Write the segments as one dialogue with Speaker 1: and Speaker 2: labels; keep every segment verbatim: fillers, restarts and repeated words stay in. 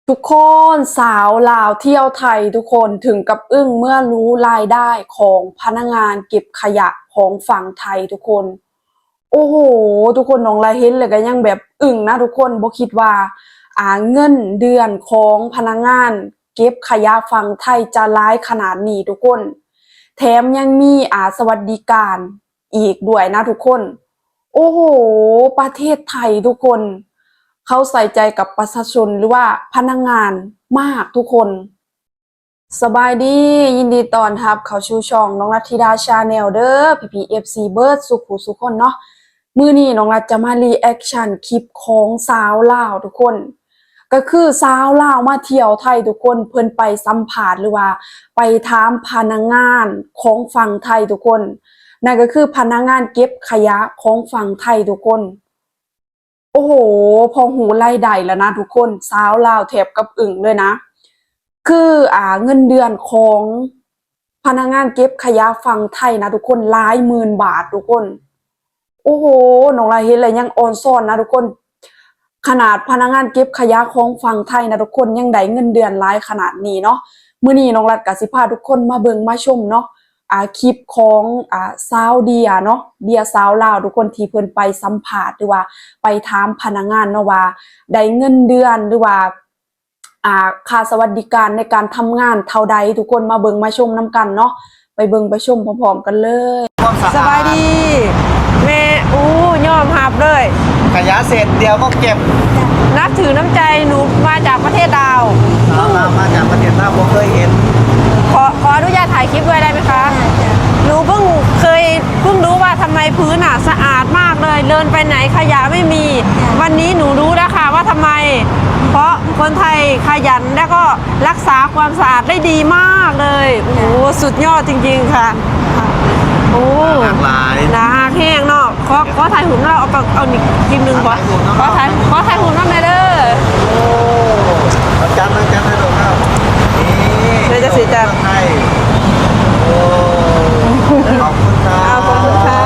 Speaker 1: ทุกคนสาวลาวเที่ยวไทยทุกคนถึงกับอึ้งเมื่อรู้รายได้ของพนักงานเก็บขยะของฝั่งไทยทุกคนโอ้โหทุกคนน้องลายเห็นเลยก็ยังแบบอึ้งนะทุกคนบ่คิดว่าอ่าเงินเดือนของพนักงานเก็บขยะฝั่งไทยจะร้ายขนาดนี้ทุกคนแถมยังมีอ่าสวัสดิการอีกด้วยนะทุกคนโอ้โหประเทศไทยทุกคนเขาใส่ใจกับประชาชนหรือว่าพนักงานมากทุกคนสบายดียินดีต้อนรับเข้าสู่ช่องน้องรัตธิดาชาแนลเด้อพี่พีเอฟซีเบิร์ดสุขุสุขคนเนาะมื้อนี้น้องรัตจะมารีแอคชั่นคลิปของสาวลาวทุกคนก็คือสาวลาวมาเที่ยวไทยทุกคนเพิ่นไปสัมภาษณ์หรือว่าไปถามพนักงานของฝั่งไทยทุกคนนั่นก็คือพนักงานเก็บขยะของฝั่งไทยทุกคนโอ้โหพอหูไล่ใดแล้วนะทุกคนสาวลาวแถบกับอึ่งเลยนะคืออ่าเงินเดือนของพนักงานเก็บขยะฝั่งไทยนะทุกคนหลายหมื่นบาททุกคนโอ้โหน้องลายเห็นเลยยังอ่อนซ่อนนะทุกคนขนาดพนักงานเก็บขยะของฝั่งไทยนะทุกคนยังได้เงินเดือนหลายขนาดนี้เนาะมื้อนี้น้องรัตก็สิพาทุกคนมาเบิ่งมาชมเนาะอ่าคลิปของอ่าสาวเดียเนาะเดียสาวลาวทุกคนที่เพิ่นไปสัมภาษณ์หรือว่าไปถามพนักงานเนาะว่าได้เงินเดือนหรือว่าอ่าค่าสวัสดิการในการทำงานเท่าใดทุกคนมาเบิ่งมาชมนํกันเนาะไปเบิ่งไปชมพร้อมๆกันเลย
Speaker 2: สบายดีแม่อู้ยอมหับเลย
Speaker 3: ขยะเสร็จเดียวก็เก็บ
Speaker 2: นับถือน้ำใจหนูมาจากประเทศดาว
Speaker 3: เพิ่งมาจากประเทศลาวผมเคยเห็น
Speaker 2: ขอขออนุญาตถ่ายคลิปด้วยได้ไหมคะหนูเพิ่งเคยเพิ่งรู้ว่าทำไมพื้นอ่ะสะอาดมากเลยเดินไปไหนขยะไม่มีวันนี้หนูรู้แล้วค่ะว่าทำไมเพราะคนไทยขยันและก็รักษาความสะอาดได้ดีมากเลยโอ้โหสุดยอดจริงๆค่ะโอ้
Speaker 3: หลากหลาย
Speaker 2: นะแห้งเนาะขอขอถ่ายหุ่นเราเอาเอาอีกคลิปหนึ่งก่อนขอถ่ายขอถ่ายหุ่นน้ำเด้อ
Speaker 3: โอ้จันทร์จันทร์ให้ดูครับนี่
Speaker 2: เลยจะสีจัน
Speaker 3: ไทยโอ้ขอบคุณค่ะ
Speaker 2: ขอบคุณค่ะ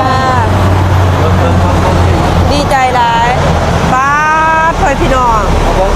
Speaker 2: ดีใจหลายป้าเพื่อนพี่น้อง
Speaker 3: โอเค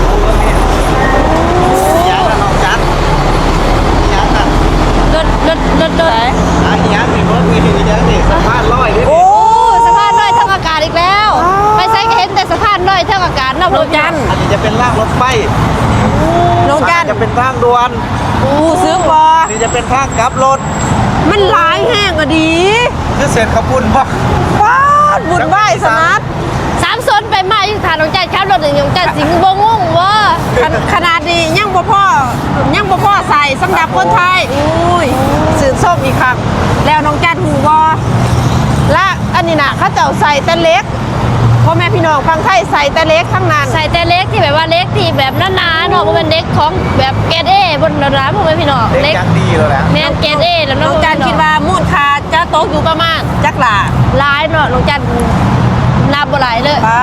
Speaker 3: ยันน้องจันยันน่ะ
Speaker 2: เดินเดินเดินเดิน
Speaker 3: อ่ะยันนี่รถมียันนี่สะพานลอยดิ
Speaker 2: โอ้สะพานลอยเท่าอากาศอีกแล้วไปใช้เห็นแต่สะพานลอยเท่าอากาศนอกรถจัน
Speaker 3: อันนี้จะเป็นรางรถไฟ
Speaker 2: น้องจัน
Speaker 3: จะเป็นทางด่วน
Speaker 2: อู้ซื้อบอ
Speaker 3: นี่จะเป็นทางกลับรถ
Speaker 2: มันหลายแห้งอะดี
Speaker 3: คือเสร็จขบุญป่ะ
Speaker 2: ป้าบุญไหว้สนัด
Speaker 4: สามซนไปมาอยู่ฐานของจันข้าวรถหนึ่งของจันสิงห์บงงว่า
Speaker 2: ขนาดนี้ยังบ่พ่อยังบ่พ่อใส่สำหรับคนไทยอุ้ยสื่อส้มอีกครั้งแล้วน้องจันหูวอและอันนี้นะเขาเจ้าใส่แต่เล็กพ่อแม่พี่น้องฟังไทยใส่แต่เล็กทั้งนั้น
Speaker 4: ใส่แต่เล็กที่แบบว่าเล็กที่แบบหนาๆเนาะมันเป็นเล็กของแบบเกรดเอบนร้านพ่อแม่พี่น้อง
Speaker 3: เล็กยังดีเลยแหละ
Speaker 4: แม่เกรดเอแล้ว
Speaker 2: น้องจันคิดว่ามูลค่าจะตกอยู่ประมาณจักหลา
Speaker 4: หลายเนาะน้องจันนับบ่หลายเลย
Speaker 2: ป้า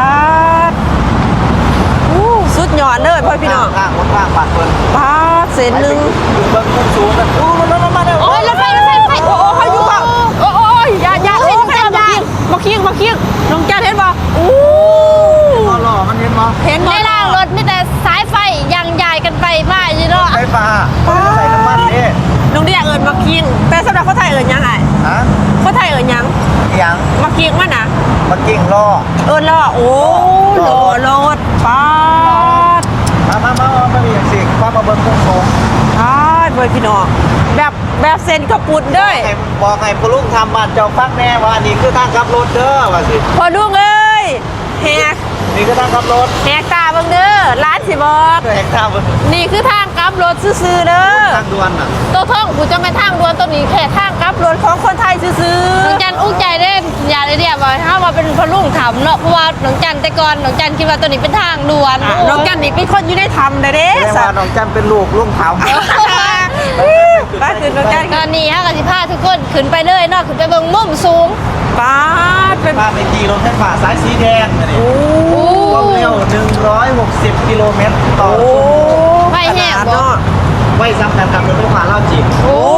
Speaker 2: อู้สุดยอดเลยพ่อพี่น้อง
Speaker 3: ข้างข้างปากเปิ้ล
Speaker 2: ป้าเศษหนึ่ง
Speaker 3: เบิ้งมุมสูงกันอู้มันมันมา
Speaker 4: โอ้ยรถไฟรถไฟรถไฟ
Speaker 2: โอ้โหเขาอยู่ป่ะโอ้โอ้ยอย่าอย่าเห็นแค่มามาเคียงมาเคียงน้องจันเห็นป่ะอู้
Speaker 3: หล่อมันเห็นมั้ย
Speaker 4: เห็นในล่างรถมีแต่สายไฟยังใหญ่กันไปมาอยู่เนาะ
Speaker 3: ไฟฟ้าใส่น้ำมันนี่
Speaker 2: น้องเดียเอิญมาเคียงแต่สำหรับคนไทยเอิญยังไง
Speaker 3: ฮะ
Speaker 2: คนไทยเอิญยัง
Speaker 3: ยัง
Speaker 2: มาเคียงมั้ยนะ
Speaker 3: มากิ้งล่อ
Speaker 2: เอิญล่อโอ้ล่อรถป้า
Speaker 3: มามามามามีอย่างสิป้ามาเบิ้งมุมสูง
Speaker 2: อ่าเบยพี่น้องแบบแบบเซนกระปุดด้วย
Speaker 3: บอกไงพลุงทำบ้านเจ้าฟังแน่ว่านี่คือทางขับรถเด้อว่าสิ
Speaker 2: พอลุงเอ้ยแหก
Speaker 3: นี่คือทางขับรถ
Speaker 2: แหกตาบังเด้อร้านสิบอก
Speaker 3: แหกตาบัง
Speaker 2: นี่คือทางกลับรถซื่อๆเด้อ
Speaker 3: ทางด่วนอ่ะ
Speaker 4: ตัวท่องกูจะไม่ทางด่วนตัวนี้แค่ทาง
Speaker 2: กลับรถของคนไทยซื่อ
Speaker 4: ๆน้องจันอุ้งใจเด่นอย่าเลยเดียวว่าถ้าว่าเป็นพลุงทำเนาะเพราะว่าน้องจันแต่ก่อนน้องจันคิดว่าตัวนี้เป็นทางด่วน
Speaker 2: น้องจันนี่เป็นคนอยู่ในธรรมเด้เด้
Speaker 3: แสดงว่าน้องจันเป็นลูกลุงเผา
Speaker 4: ป้าขึ้นรถกันตอนนี้ฮะกสิพาทุกคนขึ้นไปเลยเนาะขึ้นไปเบิ่งมุมสูง
Speaker 2: ป้า
Speaker 3: เป็นป้าไปขี่รถไฟฟ้าสายสีแดงนี่ความเร็วหนึ่งร้อยหกสิบกิโลเมตรต่อชั่วโม
Speaker 4: งไม่แห้งบ่
Speaker 3: ไว้ซ้ำกันกับรถไฟฟ้าเล่าจีบ
Speaker 2: โอ้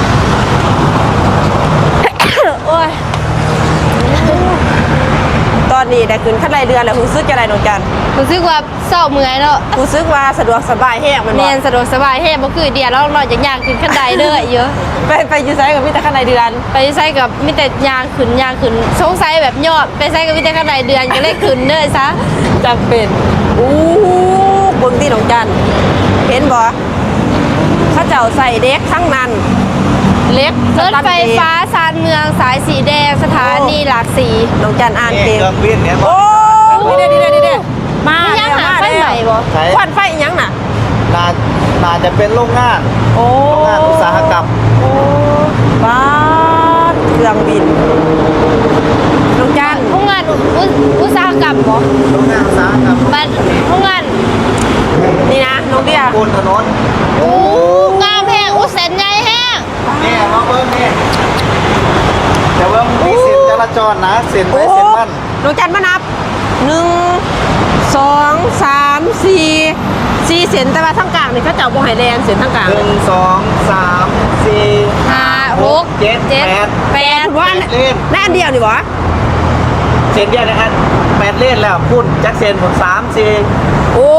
Speaker 2: โอ้ยตอนนี้ได้ขึ้นขั้นรายเดือนแล้วรู้สึกจะไรน้องจัน
Speaker 4: รู้สึกว่าเศร้าเมื่อยเนาะ
Speaker 2: รู้สึกว่าสะดวกสบายแห้งมัน
Speaker 4: แม
Speaker 2: บ่
Speaker 4: นสะดวกสบายแฮ่บ่คือเดียวแล้วเราอย่างยางขึ้นขั้นใดเด้อเยอะ
Speaker 2: ไปไปอยู่ไสกับมีแต่ขั้นรายเดือน
Speaker 4: ไปใส่กับมีแต่ยางขึ้นยางขึ้นสงสัยแบบยอดไปใส่กับมีแต่ขั้นใดเดือนก็เลยขึ้นเด้อซะ
Speaker 2: จำเป็นอู้เบิ่งที่น้องจันเห็นบ่เขาเจ้าใส่เด็กทั้งนั้นเล็ก
Speaker 4: รถไฟฟ้าชานเมืองสายสีแดงสถานีหลากสี
Speaker 2: น้องจันอ่าน
Speaker 3: นี่
Speaker 2: เก่ง
Speaker 3: เครื่องบินเนี่ย
Speaker 2: โอ้ดีเด้ดีเด้ดีเด้มา
Speaker 4: ไม่ยังหาไฟใหม่บ่
Speaker 3: ใช้
Speaker 2: ควันไฟอีหยังน่ะ
Speaker 3: น่าน่าจะเป็นโรงงาน
Speaker 2: โอ้
Speaker 3: โรงงานอุตสาหกรรม
Speaker 2: โอ้บ้านเครื่องบินน้องจัน
Speaker 4: โรงงานอุอุตสาหกรรมบ่
Speaker 3: โรงงานอุตสาหกรรม
Speaker 4: บ้านโรงงาน
Speaker 2: นี่นะน้องเดีย
Speaker 3: บนถนน
Speaker 4: อู้งามแห้งอู้เส้นใหญ่แห้ง
Speaker 3: นี่มาเบิ้งนี่แต่ว่ามีเส้นจราจรนะเส้นไปเส้นมัน
Speaker 2: น้องจันมานับหนึ่งสองสามสี่สี่เส้นแต่ว่าทั้งกลางนี่เขาเจ้าบ่ให้แลนเส้นทั้งกลาง
Speaker 3: หนึ่งสองสามสี่
Speaker 4: ห้าหก
Speaker 3: เจ็ด
Speaker 4: เจ็ด
Speaker 3: แปด
Speaker 4: แปด
Speaker 2: ว่าอันนั่นอันเดียวนี่บ่
Speaker 3: เส้นเดียวนะฮะแปดเลนแล้วพุ่นจักเส้นหมดสามสี่
Speaker 2: โอ้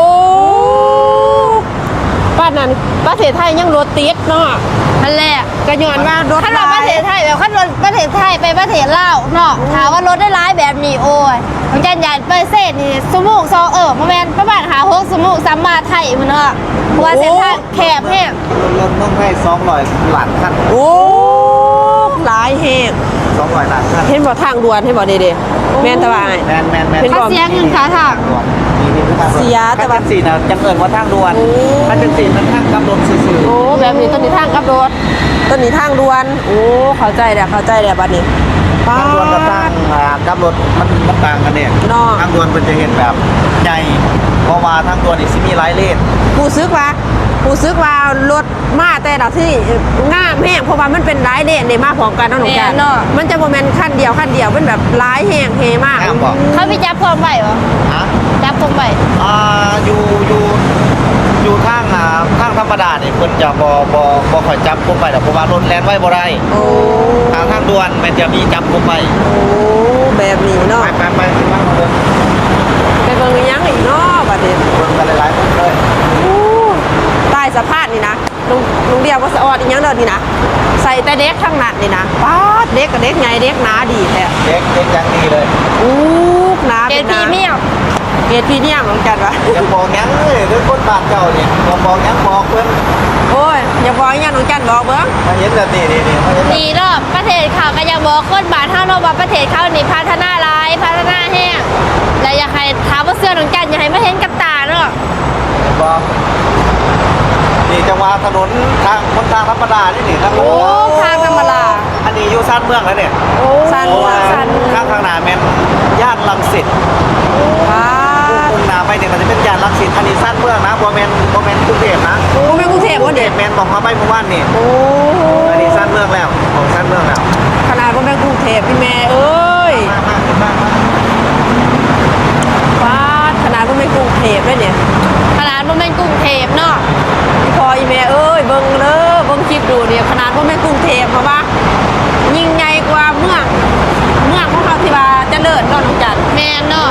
Speaker 2: ป้านนั้นประเทศไทยยังรถติดเนาะ
Speaker 4: นั่นแหละ
Speaker 2: ก็ย้อนว่ารถ
Speaker 4: ขั้นรถประเทศไทยแบบขั้นรถประเทศไทยไปประเทศลาวเนาะถามว่ารถได้ร้ายแบบนี้โอ้ยมันจะใหญ่ไปเศษนี่สมูกซองเออมาแมนประมาณหาหกสมูกสามมาไทยมันเนาะเพราะว่าเส้นทางแคบแห้ง
Speaker 3: รถต้องให้สองร้อยหลานขั้น
Speaker 2: โอ้หลายแฮง
Speaker 3: สองร้อยหลานขั้น
Speaker 2: เห็นบ่ทางด่วนเห็นบ่เด้ๆแม่นตะว่าอ้าย
Speaker 3: แมนแมนแมน
Speaker 2: เป็น
Speaker 4: ค่าเสียเงินค่าทาง
Speaker 3: เสียแต่ว่าสี่นะจังเอิญว่าทางด่วน
Speaker 2: โอ้
Speaker 3: ถ้าจังสี่มันทางกำลังซื่อ
Speaker 2: โอ้แบบนี้ต้นนี้ทางกับรถต้นนี้ทางด่วนโอ้เข้าใจแล้วเข้าใจแล้วบัดนี้
Speaker 3: ๆทางด่วนกับทางอ่ากำรถมันมันต่างกันเนี่ย
Speaker 2: เนาะ
Speaker 3: ทางด่วนมันจะเห็นแบบใหญ่เพราะว่าทางด่วนนี่สิมีหลายเลน
Speaker 2: ผู้ซึกว่าผู้ซึกว่ารถมาแต่ละที่งามแห้งเพราะว่ามันเป็นหลายเลนได้มาพร้อมกันเนาะหนูแก
Speaker 4: แม่นเนาะ
Speaker 2: มันจะบ่แม่นคันเดียวคันเดียวมันแบบหลายแห้งเฮมาก
Speaker 3: งามบอก
Speaker 4: เขาไปจับพร้อมไหวบ่
Speaker 3: ฮะ
Speaker 4: จับพร้อมไหว
Speaker 3: อ่าอยู่อยู่อยู่ทางอ่าทางธรรมดาเนี่ยคนจะบอบอบอคอยจับกุมไปแต่เพราะว่ารถแล่นไว้บ่ได้
Speaker 2: โอ้
Speaker 3: ทางทางด่วนมันจะมีจับกุมไป
Speaker 2: โอ้แบบนี้เนาะ
Speaker 3: ไปไปไปไปบ้างเลย
Speaker 2: ไปเบิ่งอีหยังอีกเนาะบัดนี้
Speaker 3: เบิ่งกันหลายๆคนเลย
Speaker 2: อู้ใต้สะพานนี่นะลุงลุงเดียวก็สะออดอีหยังเด้อนี่นะใส่แต่เด็กทั้งนั้นนี่นะป๊าดเด็กกับเด็กไงเด็กหนาดีแท้
Speaker 3: เด็กเด็กยังดีเลย
Speaker 2: อู้หนา
Speaker 4: เก
Speaker 2: เป็
Speaker 4: ร
Speaker 2: น
Speaker 4: ดพรีเมียม
Speaker 2: เกรดพรีเมียมเหมือนกันวะ
Speaker 3: จะบอกยังเลยด้วยคนบาดเจ้าเนี่ยบอกบอกยังบอกเพิ่น
Speaker 2: โอ้ยอย่าบอกอีหยังน้องจันบอกเบิ่ง
Speaker 3: มาเห็นแบบนี้นี่นี่มาเห็นแบบ
Speaker 4: ดีเนาะประเทศเขาก็ยังบอกคนบ้านเฮาเนาะว่าประเทศเขานี่พัฒนาหลายพัฒนาแห้งและอยากให้ถามว่าเสื้อน้องจันอยากให้มาเห็นกับตาเนาะ
Speaker 3: บอกนี่จังหวะถนนทางคนทางธรรมดานี่นี่ทาง
Speaker 4: โอ้ทางธรรมดา
Speaker 3: อันนี้อยู่สั้นเมืองแล้วเนี่ย
Speaker 2: สั้น
Speaker 3: เพราะว่า
Speaker 2: สั้น
Speaker 3: ข้างข้างหน้าแม่นย่านลังสิต
Speaker 2: ป๊าด
Speaker 3: มุ่งหน้าไปเนี่ยมันจะเป็นย่านลังสิตอันนี้สั้นเมืองนะบ่แม่นบ่แม่นกรุงเทพนะ
Speaker 2: บ่แม่นกรุงเทพบ่เด็ก
Speaker 3: แม่นบอกมาไปเมื่อวานนี่
Speaker 2: โอ้
Speaker 3: อันนี้สั้นเมืองแล้วของสั้นเมืองแล้ว
Speaker 2: ขนาดบ่แม่นกรุงเทพพี่แม่เอ้ย
Speaker 3: มามาขึ้นมามา
Speaker 2: ป๊าดขนาดบ่แม่นกรุงเทพเลยเนี่ย
Speaker 4: ขนาดบ่แม่นกรุงเทพเนาะ
Speaker 2: พี่พออีแม่เอ้ยเบิ่งเด้อเบิ่งคลิปดูเนี่ยขนาดบ่แม่นกรุงเทพเพราะว่ายิ่งใหญ่กว่าเมืองเมืองของเราที่ว่าเจริญเนาะน้องจัน
Speaker 4: แม่นเนาะ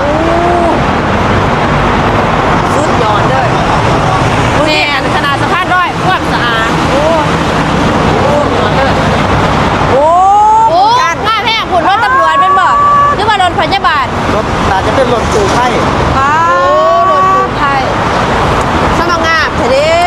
Speaker 2: สุดยอดเลยแม่นขนาดสะพานร้อยความสะอาดโอ้โอ้ยอดเลยโอ้
Speaker 4: โอ้
Speaker 2: จัน
Speaker 4: มาแพงผุนรถตำรวจเป็นบ่หรือว่ารถพยาบาล
Speaker 3: รถน่าจะเป็นรถตู้ไทย
Speaker 2: ป้าร
Speaker 4: ถกู้ภัย
Speaker 2: สมางามเถอะเด้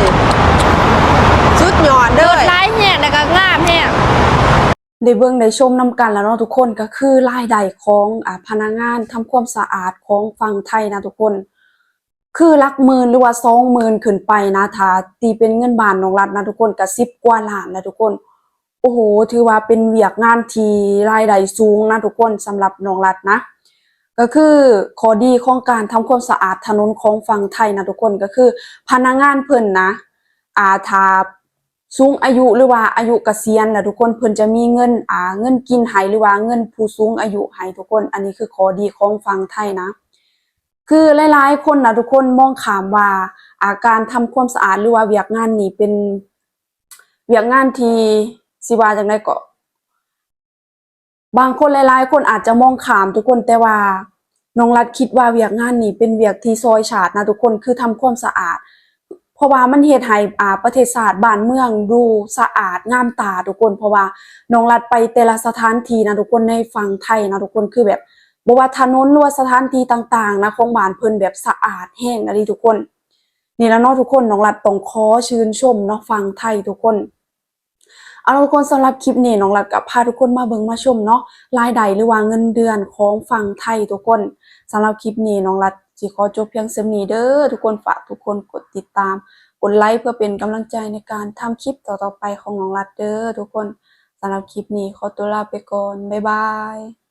Speaker 2: สุดยอดเล
Speaker 4: รถ
Speaker 2: ย
Speaker 4: หลายแห้งแล้วก็งามแห้ง
Speaker 1: ได้เบิ่งได้ชมนำกันแล้วเนาะทุกคนก็คือรายได้ของอ่าพนักงานทำความสะอาดของฝั่งไทยนะทุกคน คือหลักหมื่นหรือว่าสองหมื่นขึ้นไปนะถ้าตีเป็นเงินบาทของรัฐนะทุกคนก็สิบกว่าล้านนะทุกคน โอ้โหถือว่าเป็นเวียกงานที่รายได้สูงนะทุกคนสำหรับน้องรัฐนะ ก็คือข้อดีของการทำความสะอาดถนนของฝั่งไทยนะทุกคนก็คือพนักงานเพิ่นนะอ่าถ้าสูงอายุหรือว่าอายุเกษียณแล้วทุกคนเพิ่นจะมีเงินอ่าเงินกินให้หรือว่าเงินผู้สูงอายุให้ทุกคน อันนี้คือข้อดีของฝั่งไทยนะ คือหลายๆคนนะทุกคนมองข้ามว่าอาการทำความสะอาดหรือว่าเวียกงานนี่เป็นเวียกงานที่สิว่าจังได๋ก็บางคนหลายๆคนอาจจะมองขามทุกคนแต่ว่าน้องรัฐคิดว่าเวียกงานนี้เป็นเวียกที่ซอยชาตินะทุกคนคือทำความสะอาด เพราะว่ามันเฮ็ดให้อ่าประเทศชาติบ้านเมืองดูสะอาดงามตาทุกคนเพราะว่าน้องรัฐไปแต่ละสถานที่นะทุกคนในฝั่งไทยนะทุกคนคือแบบบ่ว่าถนนหรือว่าสถานที่ต่างๆนะของบ้านเพิ่นแบบสะอาดแห้งอะลีทุกคนนี่แล้วเนาะทุกคนน้องรัฐต้องขอชื่นชมเนาะฝั่งไทยทุกคนเอาล่ะทุกคนสำหรับคลิปนี้น้องรัฐก็พาทุกคนมาเบิ่งมาชมเนาะรายได้หรือว่าเงินเดือนของฝั่งไทยทุกคนสำหรับคลิปนี้น้องรัฐสิขอจบเพียงส่ำนี้เด้อทุกคนฝากทุกคนกดติดตามกดไลค์เพื่อเป็นกำลังใจในการทำคลิปต่อๆไปของน้องรัฐเด้อทุกคนสำหรับคลิปนี้ขอตัวลาไปก่อนบ๊ายบาย